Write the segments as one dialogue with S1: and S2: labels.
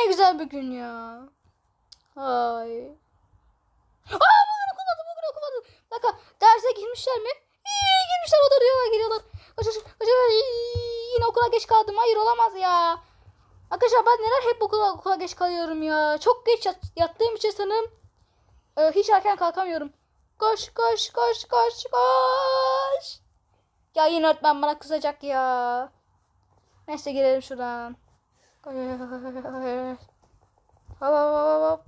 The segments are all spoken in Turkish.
S1: güzel bir gün ya. Ay. Bugün okumadım. Bir dakika, derse girmişler mi? Girmişler, oturuyorlar, geliyorlar. Kaç. Yine okula geç kaldım. Hayır, olamaz ya. Arkadaşlar ben neden hep okula geç kalıyorum ya. Çok geç yattığım için sanırım hiç erken kalkamıyorum. Koş. Ya yine öğretmen bana kızacak ya. Neyse, girelim şuradan. Hop.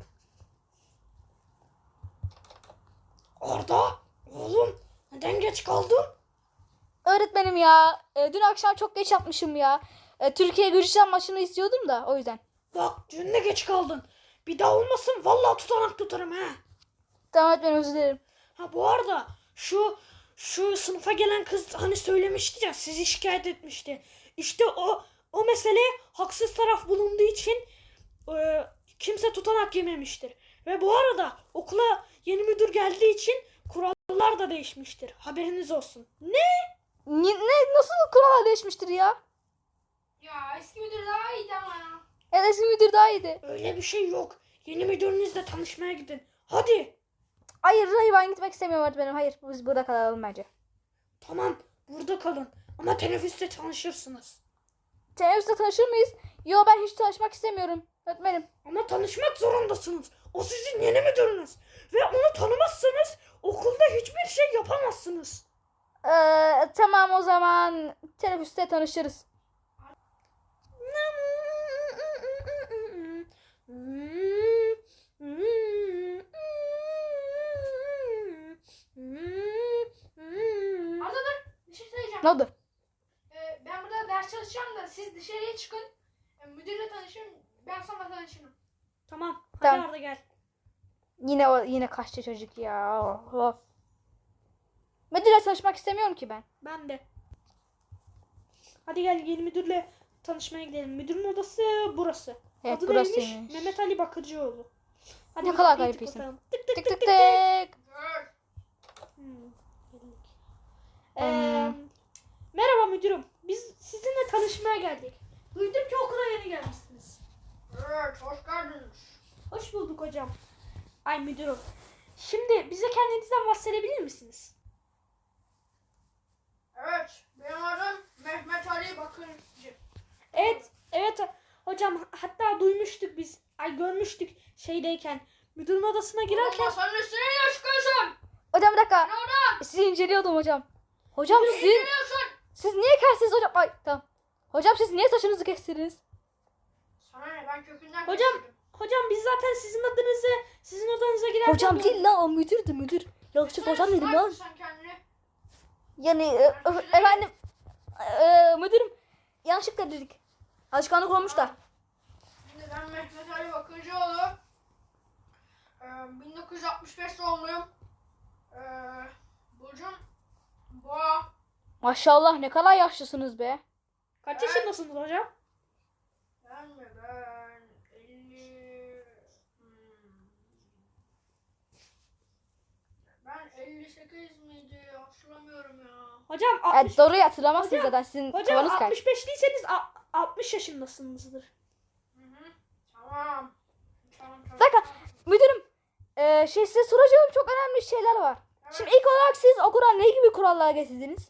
S2: Arda, oğlum neden geç kaldın?
S1: Öğretmenim ya, dün akşam çok geç yapmışım ya. Türkiye Gürcistan maçını istiyordum da o yüzden.
S2: Bak dün de geç kaldın. Bir daha olmasın vallahi tutanak tutarım ha.
S1: Tamam öğretmenim, özür dilerim.
S2: Ha bu arada şu sınıfa gelen kız hani söylemişti ya, sizi şikayet etmişti. İşte o mesele haksız taraf bulunduğu için kimse tutanak yememiştir. Ve bu arada okula yeni müdür geldiği için kurallar da değişmiştir. Haberiniz olsun.
S1: Nasıl kurallar değişmiştir ya?
S3: Ya eski müdür daha iyiydi ama ya.
S1: Evet, eski müdür daha iyiydi.
S2: Öyle bir şey yok. Yeni müdürünüzle tanışmaya gidin. Hadi.
S1: Hayır, ben gitmek istemiyorum öğretmenim. Hayır, biz burada kalalım bence.
S2: Tamam burada kalın. Ama teneffüste tanışırsınız.
S1: Teneffüste tanışır mıyız? Yo, ben hiç tanışmak istemiyorum öğretmenim.
S2: Ama tanışmak zorundasınız. O sizin yeni müdürünüz. Ve onu tanımazsanız okulda hiçbir şey yapamazsınız.
S1: Tamam, o zaman teneffüste tanışırız.
S3: Arda dur. Bir şey söyleyeceğim.
S1: Ne oldu?
S3: Ben burada ders çalışacağım da siz dışarıya çıkın. Müdürle tanışın. Ben sonra tanışırım.
S2: Tamam. Hadi
S1: Tamam.
S2: Arda gel.
S1: Yine kaçtı çocuk ya. Of. Müdürle tanışmak istemiyorum ki ben.
S2: Ben de. Hadi gel yeni müdürle tanışmaya gidelim. Müdürün odası burası.
S1: Evet,
S2: Adı
S1: burası
S2: neymiş?
S1: neymiş?
S2: Mehmet Ali Bakırcıoğlu. Hadi
S1: Ne kadar
S2: kapıyı
S1: garip isim.
S2: tıklatalım. Tık tık
S1: Tık
S2: tık
S1: tık
S2: tık.
S1: tık.
S3: Dur.
S2: Geldik. Merhaba müdürüm. Biz sizinle tanışmaya geldik. Duydum ki okula yeni gelmişsiniz.
S3: Evet, hoş geldiniz.
S2: Hoş bulduk hocam. Ay müdürüm. Şimdi bize kendinizden bahsedebilir misiniz?
S3: Evet, benim adım Mehmet Ali Bakırcı.
S2: Evet hocam, hatta duymuştuk biz. Ay görmüştük şeydeyken. Müdürün odasına girerken.
S3: Masanın üstüne niye çıkıyorsun?
S1: Hocam bir dakika.
S3: Ne oradan?
S1: Sizi inceliyordum hocam. Hocam
S3: Ne
S1: siz
S3: geliyorsun?
S1: niye kestiniz hocam? Ay tamam. Hocam siz niye saçınızı kestiniz?
S3: Sana ne, ben kökünden
S2: Hocam,
S3: kestirdim.
S2: Hocam biz zaten sizin odanıza girerken.
S1: Hocam değil la, o müdürdü, müdür. Yanlışlıkla hocam dedim lan.
S3: Sen kendini.
S1: Yani efendim müdürüm, yanlışlıkla dedik. Alışkanlık olmuş da.
S3: Şimdi ben Mehmet Ali Bakırcıoğlu. 1965 doğumluyum. Burcum Boğa.
S1: Maşallah, ne kadar yaşlısınız be.
S2: Kaç yaşındasınız hocam?
S3: Ben 50... Ben 58 miydi? Hatırlamıyorum ya.
S2: Hocam
S1: Evet, doğru hatırlamazsınız
S2: Hocam,
S1: zaten, sizin
S2: hocam
S1: kafanız kaydı.
S2: 65 değilseniz 60 yaşındasınızdır.
S3: Hı. Tamam.
S1: Bir dakika müdürüm, size soracağım çok önemli şeyler var.
S3: Evet.
S1: Şimdi ilk olarak siz okula ne gibi kurallar getirdiniz?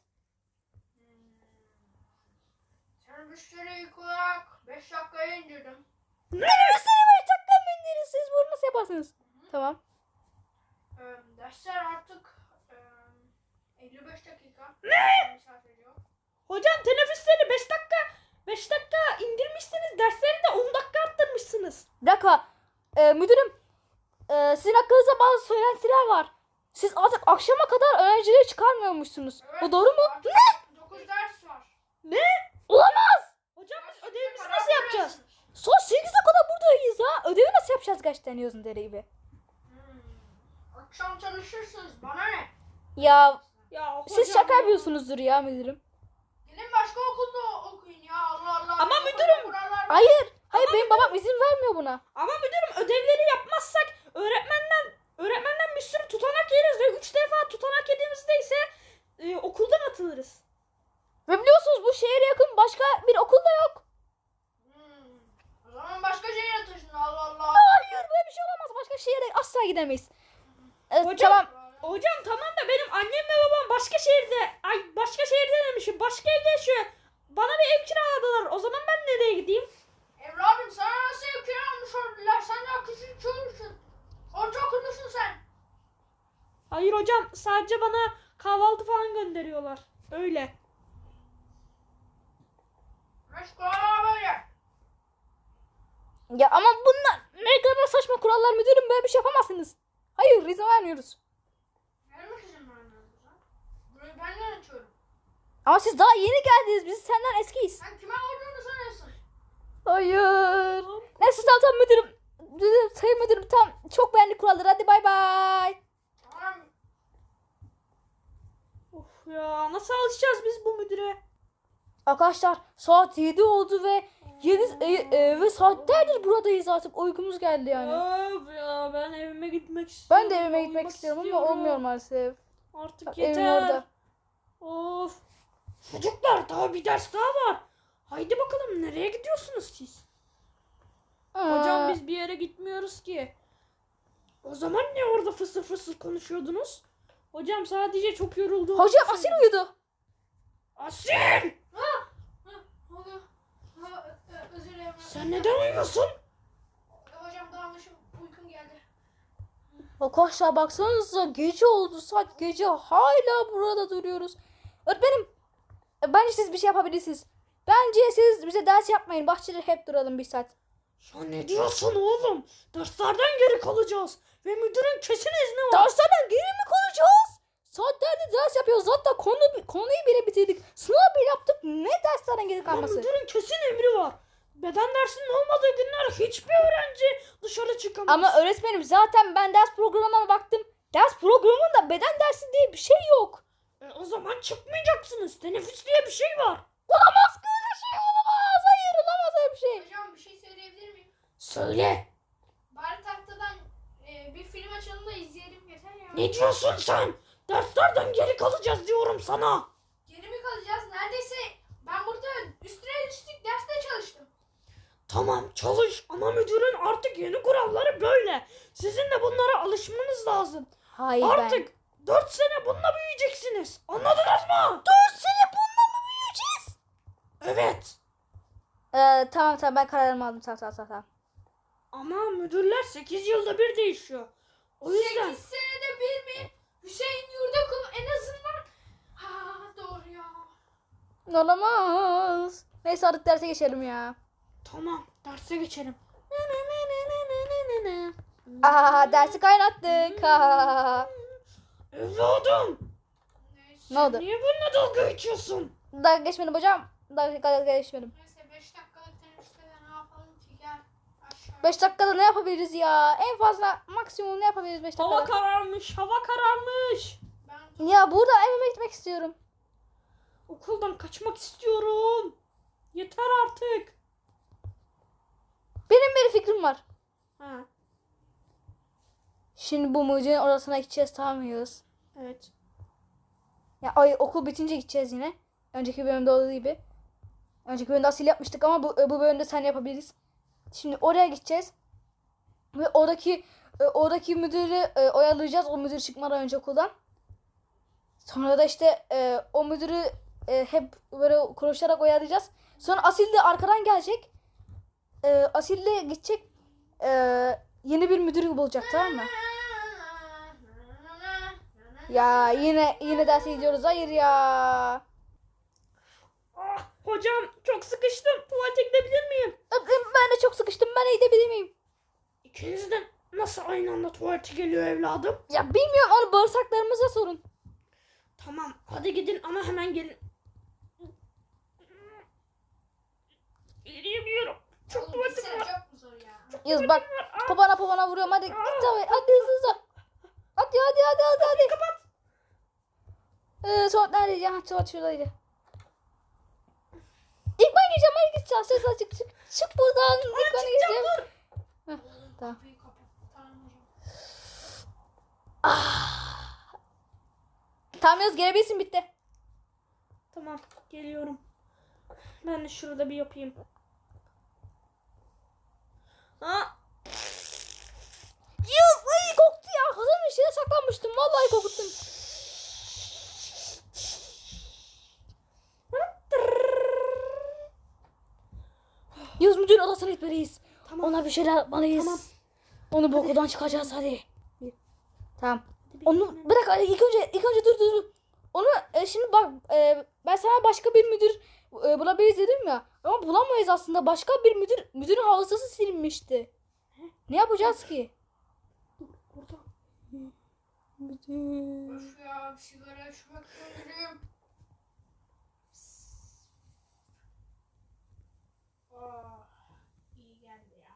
S3: Teneffüsleri ilk olarak 5 dakikaya indirdim.
S1: Minibüsleri 5 dakika mı indiniz? Siz bunu nasıl yaparsınız? Tamam.
S3: Dersler artık 55 dakika. Misafir ediyor.
S2: Hocam teneffüsleri 5 dakika indirmişsiniz. Dersleri de 10 dakika arttırmışsınız.
S1: Bir dakika. Müdürüm, sizin hakkınızda bazı söylentiler var. Siz artık akşama kadar öğrencileri çıkarmıyormuşsunuz.
S3: Evet,
S1: Bu doğru mu?
S3: artık 9 ders var.
S1: Olamaz.
S2: Hocam biz
S3: Dersinize
S2: ödevimizi
S3: karar
S2: nasıl yapacağız?
S3: verirsiniz.
S1: Saat 8'e kadar buradayız ha. Ödevi nasıl yapacağız gerçekten yazın deri gibi.
S3: Akşam çalışırsınız. Bana ne?
S1: Ya
S2: Ya hocam.
S1: siz şaka yapıyorsunuzdur ya müdürüm.
S3: Gidin başka okulda okuyun ya. Allah Allah.
S2: Ama
S3: Bizim
S2: müdürüm,
S3: kurallar var.
S1: Hayır. Hayır, benim babam izin vermiyor buna.
S2: Ama müdürüm ödevleri yapmazsak öğretmenden bir sürü tutanak yeriz ve 3 defa tutanak yediğimizde ise okuldan atılırız.
S1: Ve biliyorsunuz bu şehre yakın başka bir okul da yok.
S3: O zaman başka şehre taşının.
S1: asla gidemeyiz.
S2: Hocam,
S1: Tamam.
S2: hocam tamam da benim annem ve babam başka şehirde. Ay başka şehirde demişim. Başka evde yaşıyor. Bana bir ev kiraladılar. O zaman ben nereye gideyim?
S3: Evladım sana nasıl ev kiralamış oldular? Sen daha küçük çocuksun. Ortaokullusun sen.
S2: Hayır hocam sadece bana kahvaltı falan gönderiyorlar. Öyle.
S3: Meşgul böyle.
S1: Ya ama bunlar ne kadar saçma kurallar müdürüm, böyle bir şey yapamazsınız. Hayır, izin vermiyoruz.
S3: Vermek izin vermiyoruz lan. Burayı ben yönetiyorum.
S1: Ama siz daha yeni geldiniz, biz senden eskiyiz.
S3: Sen kime olduğunu sanıyorsun?
S1: Hayır. Neyse tamam müdürüm. Sayın müdürüm tamam, çok beğendik kuralları, hadi bay bay.
S3: Tamam.
S2: Of ya nasıl alışacağız biz bu müdüre?
S1: Arkadaşlar saat 7 oldu ve 7 ve saatlerdir buradayız, artık uykumuz geldi yani.
S2: Of ya ben evime gitmek istiyorum.
S1: Ben de evime gitmek
S2: Uyumak
S1: istiyorum ama olmuyor maalesef.
S2: Artık
S1: Bak, evim
S2: yeter.
S1: orada.
S2: Of. Çocuklar daha bir ders daha var. Haydi bakalım nereye gidiyorsunuz siz? Hocam biz bir yere gitmiyoruz ki. O zaman ne orada fısır fısır konuşuyordunuz? Hocam sadece çok yoruldum.
S1: Hocam Asil uyudu.
S2: Asil!
S3: Ne oluyor? Özür dilerim.
S2: Sen neden uyuyorsun?
S3: Hocam dağılmışım. Uykum geldi.
S1: Arkadaşlar baksanıza, gece oldu, saat gece, hala burada duruyoruz. Öğretmenim, bence siz bir şey yapabilirsiniz. Bence siz bize ders yapmayın, bahçede hep duralım bir saat.
S2: Ya ne diyorsun oğlum? Derslerden geri kalacağız. Ve müdürün kesin izni var.
S1: Derslerden geri mi kalacağız? Saatlerdir ders yapıyoruz, hatta konuyu bile bitirdik. Sınav bile yaptık, ne derslerden geri
S2: Ama
S1: kalması?
S2: müdürün kesin emri var. Beden dersinin olmadığı günler hiçbir öğrenci dışarı çıkamaz.
S1: Ama öğretmenim zaten ben ders programına baktım. Ders programında beden dersi diye bir şey yok.
S2: O zaman çıkmayacaksınız. Teneffüs diye bir şey var.
S1: Olamaz ki, öyle şey olamaz. Hayır, olamaz öyle bir şey.
S3: Hocam bir şey söyleyebilir miyim?
S2: Söyle.
S3: Bari tahtadan bir film açalım da izleyelim yeter ya.
S2: Ne diyorsun sen? Derslerden geri kalacağız diyorum sana.
S3: Geri mi kalacağız? Neredeyse ben burada üstüne üstlük derste çalıştım.
S2: Tamam çalış ama müdürün artık yeni kuralları böyle. Sizin de bunlara alışmanız lazım.
S1: Hayır
S2: Artık 4 sene bununla büyüyeceksiniz. Anladınız mı?
S1: 4 sene bununla mı büyüyeceğiz?
S2: Evet.
S1: Tamam ben kararımı aldım, tamam.
S2: Ama müdürler 8 yılda bir değişiyor. O yüzden
S3: 8 senede bir mi? Hüseyin Yurdakul en azından. Ha doğru ya.
S1: Olamaz. Neyse artık derse geçelim ya.
S2: tamam derse geçelim.
S1: Dersi kaynattık.
S2: Evladım.
S1: Ne oldu?
S2: Niye benimle dalga geçiyorsun?
S1: Dalga geçmedim hocam. Dalga geçmedim.
S3: Neyse 5 dakikalık teneffüste de ne yapalım ki gel. Aşağı.
S1: 5 dakikada ne yapabiliriz ya? En fazla maksimum ne yapabiliriz 5
S2: Hava
S1: dakikada?
S2: kararmış, hava kararmış.
S3: Ben
S1: Ya burada evime gitmek istiyorum.
S2: Okuldan kaçmak istiyorum. Yeter artık.
S1: Benim bir fikrim var.
S2: Ha,
S1: Şimdi bu mucizenin odasına gideceğiz, tamam mıyız?
S2: evet.
S1: Ya okul bitince gideceğiz yine. Önceki bölümde olduğu gibi. Önceki bölümde Asil yapmıştık ama bu bölümde sen yapabiliriz. Şimdi oraya gideceğiz. Ve oradaki müdürü oyalayacağız. O müdür çıkmadan önce okuldan. Sonra da işte o müdürü hep böyle konuşarak oyalayacağız. Sonra Asil de arkadan gelecek. Asil de gidecek. Yeni bir müdür bulacak, tamam mı? Ya yine derse gidiyoruz. Hayır ya.
S2: Ah, hocam çok sıkıştım. Tuvalete gidebilir miyim?
S1: Ben de çok sıkıştım. Ben gidebilir miyim?
S2: İkiniz de nasıl aynı anda tuvalete geliyor evladım?
S1: Ya bilmiyorum, onu bağırsaklarımıza sorun.
S2: Tamam hadi gidin ama hemen gelin. Yürüyemiyorum. Çok
S3: Oğlum
S2: tuvaletim
S3: gitsene,
S2: var.
S3: çok mu zor ya?
S1: Yaz bak, popana vuruyorum. Hadi git tabii. Hadi hızlı. Hadi.
S2: Kapat.
S1: Tuvalet neredeydi? Ha, tuvalet şuradaydı. İlk ben gireceğim. Hadi git. Ses açık. Çık buradan. İlk ben gireceğim. Heh, tamam.
S3: Kapıyı kapat. Tamam hocam.
S1: Tamam Yaz, gelebilirsin, bitti.
S2: Tamam geliyorum. Ben de şurada bir yapayım. Ha?
S1: Yaz, içine saklanmıştım. Vallahi korkuttum. Yavuz müdürün odasına gitmeliyiz.
S2: Tamam.
S1: Ona bir şeyler yapmalıyız.
S2: Tamam.
S1: Onu bu okuldan çıkaracağız hadi. Tamam. Onu bırak ilk önce dur. Onu şimdi bak ben sana başka bir müdür bulabiliriz dedim ya. Ama bulamayız aslında. Başka bir müdürün hafızası silinmişti. Ne yapacağız ki?
S2: Burada.
S1: Müdür.
S3: Öf ya, sigara içmek istiyorum. Oh, iyi geldi ya.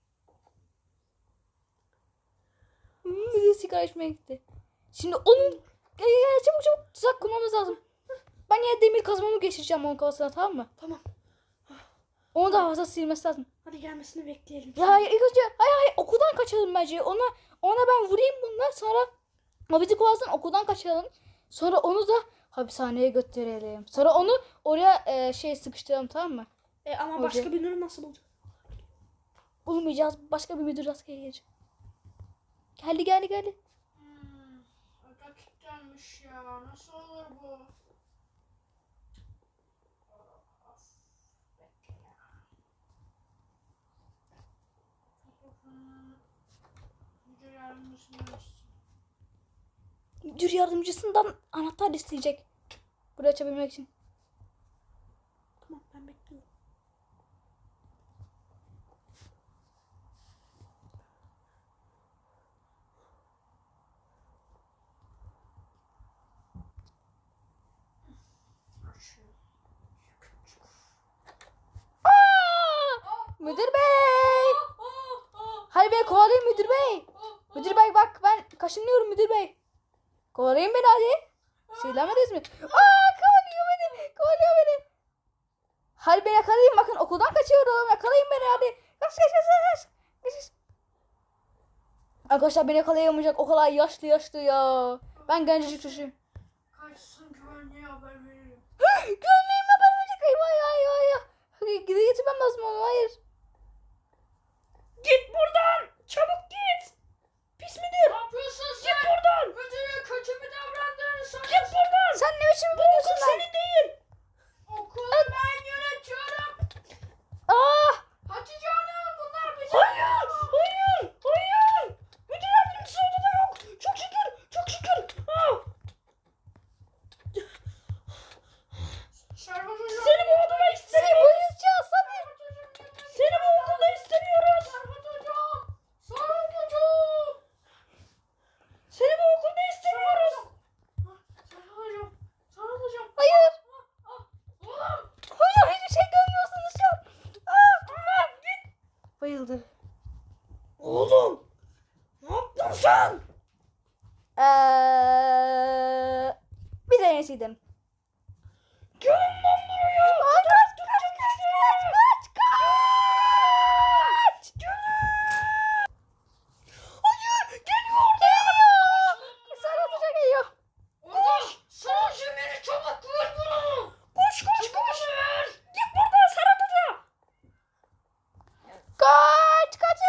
S1: Müdür sigara içmeye gitti. Şimdi onun çabuk tuzak kurmamız lazım. Ben yine demir kazmamı geçireceğim onun kafasına, tamam mı?
S2: Tamam.
S1: Onu da hafızası silmesi lazım.
S2: Hadi gelmesini bekleyelim.
S1: Ya hayır, ilk önce hayır okuldan kaçalım bence. Ona ben vurayım bunlar, sonra o bizi kovalasın, okuldan kaçalım. Sonra onu da hapishaneye götürelim. Sonra onu oraya sıkıştıralım, tamam mı?
S2: Ama
S1: Hoca.
S2: başka birini nasıl bulacağız?
S1: Bulmayacağız. Başka bir müdür rastgele gelecek. Geldi.
S3: Oda kilitlenmiş ya. Nasıl olur bu? Of, bekle ya. Müdür yardımcısını istiyor.
S1: Müdür yardımcısından anahtar isteyecek. Burayı açabilmek için.
S2: Tamam, ben bekliyorum.
S1: Müdür bey! Hayır bey, kovalayın müdür bey. Müdür bey bak, ben kaşınıyorum müdür bey. Kovalayın beni hadi. Söylemediniz mi? Kovalıyor beni. Hayır bey, yakalayın, bakın okuldan kaçıyorum. Yakalayın beni hadi. Kaç. Arkadaşlar beni yakalayamayacak, o kadar yaşlı ya. Ben gencecik çocuğum.
S3: Kaçsın, güvenliğe haber veririm.
S1: Gömleğime haber verecek. Eyvah. Geri getirmem lazım onu, hayır.
S2: Git buradan! Çabuk git! Pis müdür!
S3: Ne yapıyorsun
S2: Git
S3: sen?
S2: buradan!
S3: Müdüre kötü mü davrandın? Sana
S2: Git buradan!
S1: Sen ne biçim
S2: Bu okul
S1: biliyorsun lan?
S2: senin değil!
S3: okulu ben yönetiyorum. Hatice Hanım, bunlar bizim.
S2: Hayır! Müdür yardımcısı odada yok! Çok şükür!
S3: Şerbat Hocam.
S2: Seni bu odada
S1: Seni
S2: istemiyoruz!
S1: bayılacağız hadi.
S2: Seni bu okulda istemiyoruz!
S3: Şerbat Hocam. Şerbat Hocam.
S2: Seni bu okulda istemiyoruz!
S3: Şerbat Hocam.
S1: Hayır.
S3: Oğlum.
S1: Hocam hiçbir şey görmüyorsunuz şu an. Bayıldı.
S2: Oğlum! Ne yaptın sen?
S1: Biz en iyisiydin.
S2: Gelin lan buraya!
S1: Kaç.
S2: Hayır! Geliyor!
S1: Sarılacak geliyor.
S3: Orada son cümleni çabuk vur bunu.
S2: Koş! Git buradan Serhat Hoca!
S1: Kaç.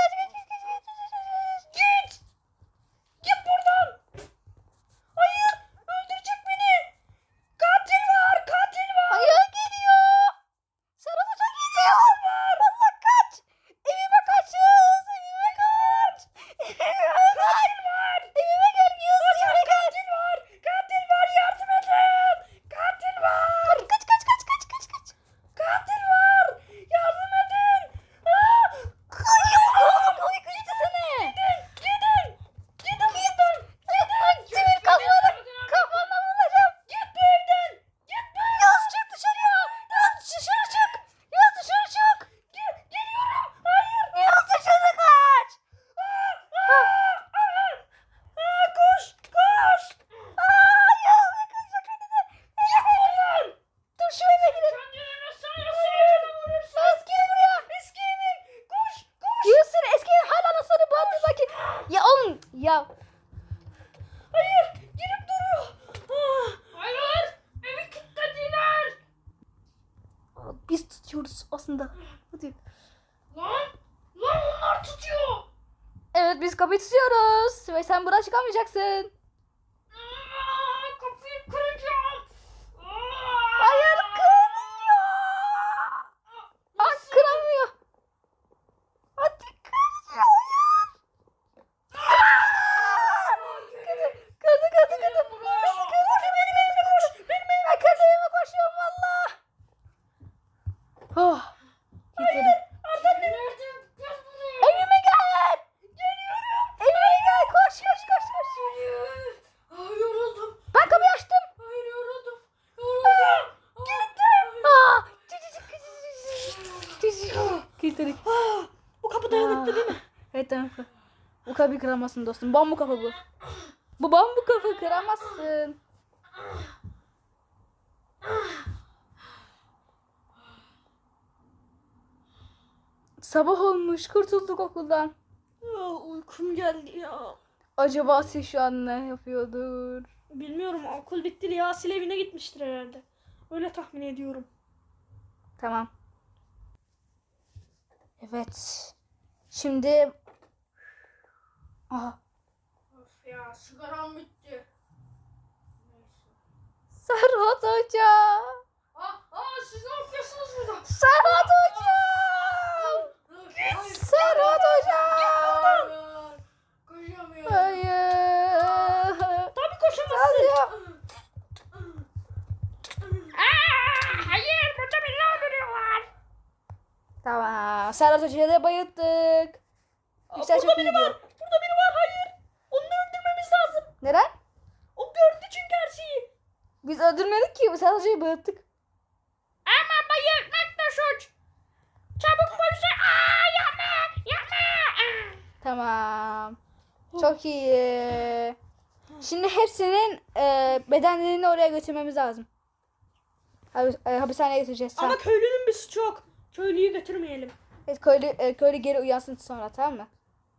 S2: Git! Git buradan! Hayır! Öldürecek beni! Katil var!
S1: Hayır, geliyor. Sarılacak geliyor. Allah kaç. Evime kaçız. Evime kaç. Evime gel Yusuf. Evime gel.
S2: Katil var! Yardım edin! Katil var!
S1: Kaç.
S2: Katil var! Yardım edin!
S1: Oy kaçtı seni.
S2: Gidin! Gidin buradan!
S1: Demir kafana vuracağım.
S2: Git bu evden! Git bu evden!
S1: Yaz çık dışarıya. Yaz dışarı çık.
S2: Geliyorum! Hayır!
S1: Yaz dışarı kaç.
S2: Koş!
S1: Yaz kaçacak beni de.
S2: Git buradan!
S1: Dur şu eve gidelim.
S3: Kendini sanıyorsun? Vurursun.
S1: Eski buraya.
S2: Eski evim! Koş!
S1: Yusuf eski hala nasıl bağırdı bakayım. Ya oğlum ya.
S2: Hayır! Girip duruyor!
S3: Hayır. Evi kilitlediler.
S1: Biz tutuyoruz aslında. Hadi.
S3: Lan onlar tutuyor.
S1: Evet biz kapıyı tutuyoruz. Ve sen buradan çıkamayacaksın.
S2: Kapıyı kıracağım.
S1: Hayır kırıyor. Aa kıramıyor. Hadi kırıyor. Kırdı. Ben kendi evime koşuyorum valla. Oh. Hayır. Evime gel. Evime gel. Koş.
S2: Yoruldum.
S1: Ben kapıyı açtım.
S2: Hayır yoruldum.
S1: Aa. Kilitledik.
S2: Bu kapı dayanıklı değil mi?
S1: Evet tamam. Bu kapıyı kıramazsın dostum. Bambu kapı bu. Bu bambu kapı kıramazsın. Sabah olmuş. Kurtulduk okuldan.
S2: Uykum geldi ya.
S1: Acaba Asil şu an ne yapıyordur?
S2: Bilmiyorum, okul bitti diye Asil evine gitmiştir herhalde. Öyle tahmin ediyorum.
S1: Tamam. Evet. Şimdi... Aha.
S3: Of ya sigaram bitti. Neyse.
S1: Serhat Hoca.
S3: Siz ne yapıyorsunuz burada?
S1: Serhat Hoca. Serhat Hoca.
S3: Koşamıyorum.
S1: Hayır.
S2: Tabii koşamazsın.
S1: Hadi.
S2: Hayır, burada beni öldürüyorlar.
S1: Tamam. Serhat Hoca'yı da bayılttık. İşler çok iyi gidiyor.
S2: Burada biri var, hayır. Onu da öldürmemiz lazım.
S1: Neden?
S2: O gördü çünkü her şeyi.
S1: Biz öldürmedik ki. Serhat Hoca'yı bayılttık.
S2: Ama bayılmak da suç. Çabuk polise. Yapma.
S1: Tamam. Çok iyi. Şimdi hepsinin bedenlerini oraya götürmemiz lazım. Hapishaneye götüreceğiz. Sen.
S2: Ama köylünün bir suçu yok. Köylüyü götürmeyelim.
S1: Evet, köylü geri uyansın sonra, tamam mı?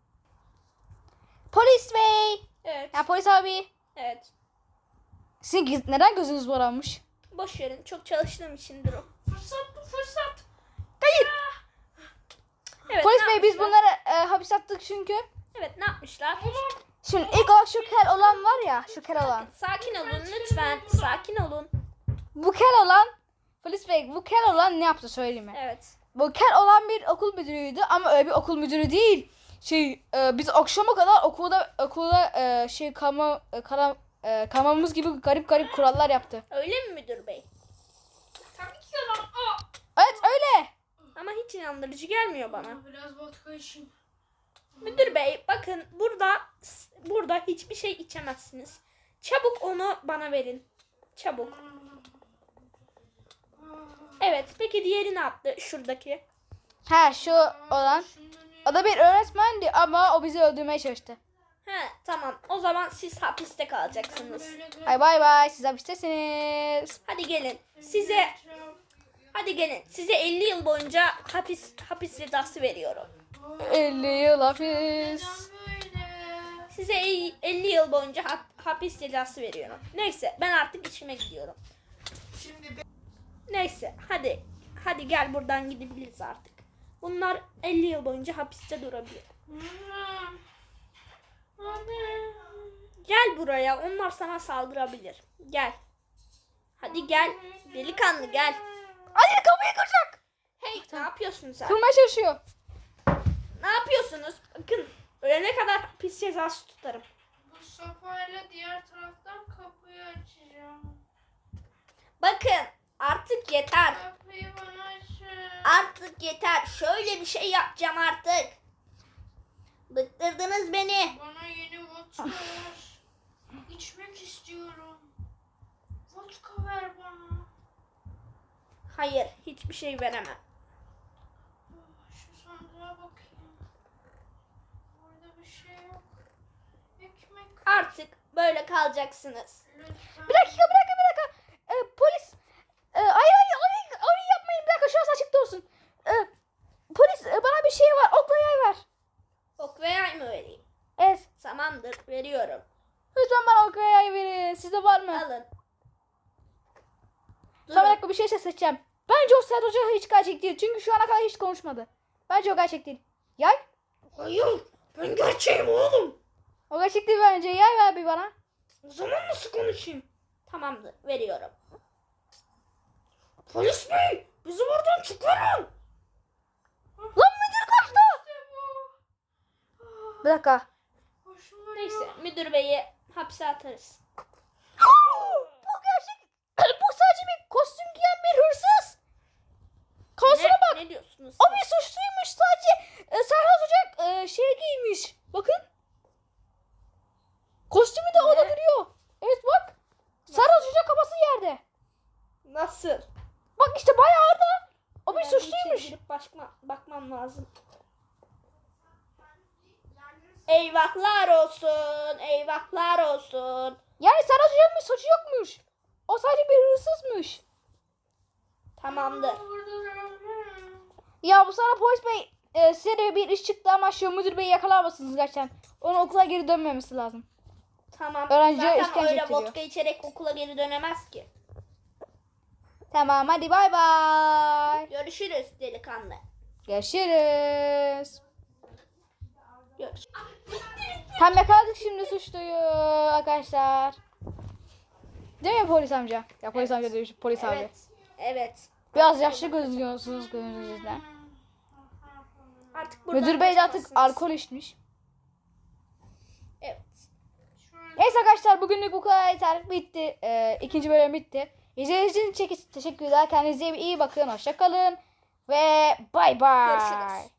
S1: Polis bey.
S2: Evet.
S1: Ya polis abi.
S2: Evet.
S1: Sizin neden gözünüz morarmış?
S2: Boş verin. Çok çalıştığım içindir o. Fırsat.
S1: Hayır.
S2: Evet,
S1: Polis
S2: ne
S1: bey biz
S2: yapmışlar?
S1: bunları hapis attık çünkü.
S2: Evet, ne yapmışlar?
S1: Şimdi ilk olarak şu kel olan var ya, şu kel olan.
S2: Sakin olun lütfen. Sakin olun.
S1: Bu kel olan, polis bey bu kel olan ne yaptı söyleyeyim mi?
S2: Evet.
S1: Bu kel olan bir okul müdürüydü ama öyle bir okul müdürü değil. Biz akşama kadar okulda kalmamız gibi garip kurallar yaptı.
S2: Öyle mi müdür bey?
S3: Tabii ki yalan.
S1: Evet öyle.
S2: Ama hiç inandırıcı gelmiyor bana.
S3: Biraz vodka için.
S2: Müdür bey, bakın burada hiçbir şey içemezsiniz. Çabuk onu bana verin. Çabuk. Evet, peki diğeri ne yaptı? Şuradaki.
S1: Ha şu olan. O da bir öğretmendi ama o bizi öldürmeye çalıştı.
S2: He, tamam. O zaman siz hapiste kalacaksınız.
S1: Hay bay bay, siz hapistesiniz.
S2: Hadi gelin. Size 50 yıl boyunca hapis cezası veriyorum.
S1: 50 yıl hapis.
S2: Size 50 yıl boyunca hapis cezası veriyorum. Neyse, ben artık işime gidiyorum. Neyse, hadi gel, buradan gidebiliriz artık. Bunlar 50 yıl boyunca hapiste durabilir. Gel buraya, onlar sana saldırabilir. Gel. Hadi gel. Delikanlı gel.
S1: Hadi kapıyı kıracak.
S2: Hey, ne yapıyorsun sen?
S1: Kırmaya çalışıyor.
S2: Ne yapıyorsunuz? Bakın, ölene kadar hapis cezası tutarım.
S3: Bu sopayla diğer taraftan kapıyı açacağım.
S2: Bakın, artık yeter.
S3: Kapıyı bana açın.
S2: Artık yeter. Şöyle bir şey yapacağım artık. Bıktırdınız beni.
S3: Bana yeni vodka ver. İçmek istiyorum. Vodka ver bana.
S2: Hayır, hiçbir şey veremem.
S3: Şu sandığa bakayım. Orada bir şey yok. Ekmek.
S2: Artık böyle kalacaksınız.
S3: Lütfen.
S1: Bir dakika. Polis. Orayı yapmayın. Bir dakika, şurası açıkta olsun. Polis bana bir şey var. Okla yay ver.
S2: Ok ve yay mı vereyim?
S1: Evet.
S2: Tamamdır, veriyorum.
S1: Lütfen bana ok ve yay verin. Sizde var mı?
S2: Alın.
S1: Sonra bir
S2: Durun.
S1: dakika, bir şey seçeceğim. Bence o Serhat Hoca hiç gerçek değil. Çünkü şu ana kadar hiç konuşmadı. Bence o gerçek değil. Yay?
S2: Hayır. Ben gerçeğim oğlum.
S1: O gerçek değil bence. Yay ver bir bana.
S2: O zaman nasıl konuşayım?
S4: Tamamdır, veriyorum.
S2: Polis bey, bizi buradan çıkarın.
S1: Lan müdür kaçtı. Bir dakika.
S3: Hoşuma
S4: Neyse, müdür beyi hapse atarız.
S1: Bu gerçek. Bu sadece bir kostüm giyen bir hırsız. Kafasına bak.
S4: Ne diyorsunuz?
S1: O bir suçluymuş sadece. Serhat Ocak şey giymiş. Bakın. Kostümü de orada duruyor. Evet bak. Serhat Ocak kafası yerde.
S4: Nasıl?
S1: Bak işte bayağı orada. O bir
S4: Ben içeri
S1: suçluymuş.
S4: girip bakmam lazım. Eyvahlar olsun, eyvahlar olsun.
S1: Yani Serhat Ocak'ın bir suçu yokmuş. O sadece bir hırsızmış.
S4: Tamamdır.
S1: Ya bu sana polis bey size de bir iş çıktı ama şu müdür beyi yakalamazsınız gerçekten. Onun okula geri dönmemesi lazım.
S4: Tamam.
S1: Öğrenciye
S4: Zaten
S1: işkence
S4: öyle
S1: ettiriyor.
S4: vodka içerek okula geri dönemez ki.
S1: Tamam hadi bay bay.
S4: Görüşürüz delikanlı.
S1: Görüşürüz.
S4: Görüşürüz.
S1: Tam yakaladık şimdi suçluyu arkadaşlar. Değil mi polis amca? Ya polis amca değil polis abi.
S4: Evet. Evet.
S1: Biraz yaşlı gözüküyorsunuz gözünüzden.
S4: Artık buradan
S1: Müdür bey de artık
S4: kaçamazsınız.
S1: alkol içmiş.
S4: Evet.
S1: Neyse arkadaşlar bugünlük bu kadar yeter. Bitti. İkinci bölüm bitti. İzlediğiniz için teşekkürler. Kendinize iyi bakın. Hoşça kalın. Ve bay bay.
S4: Görüşürüz.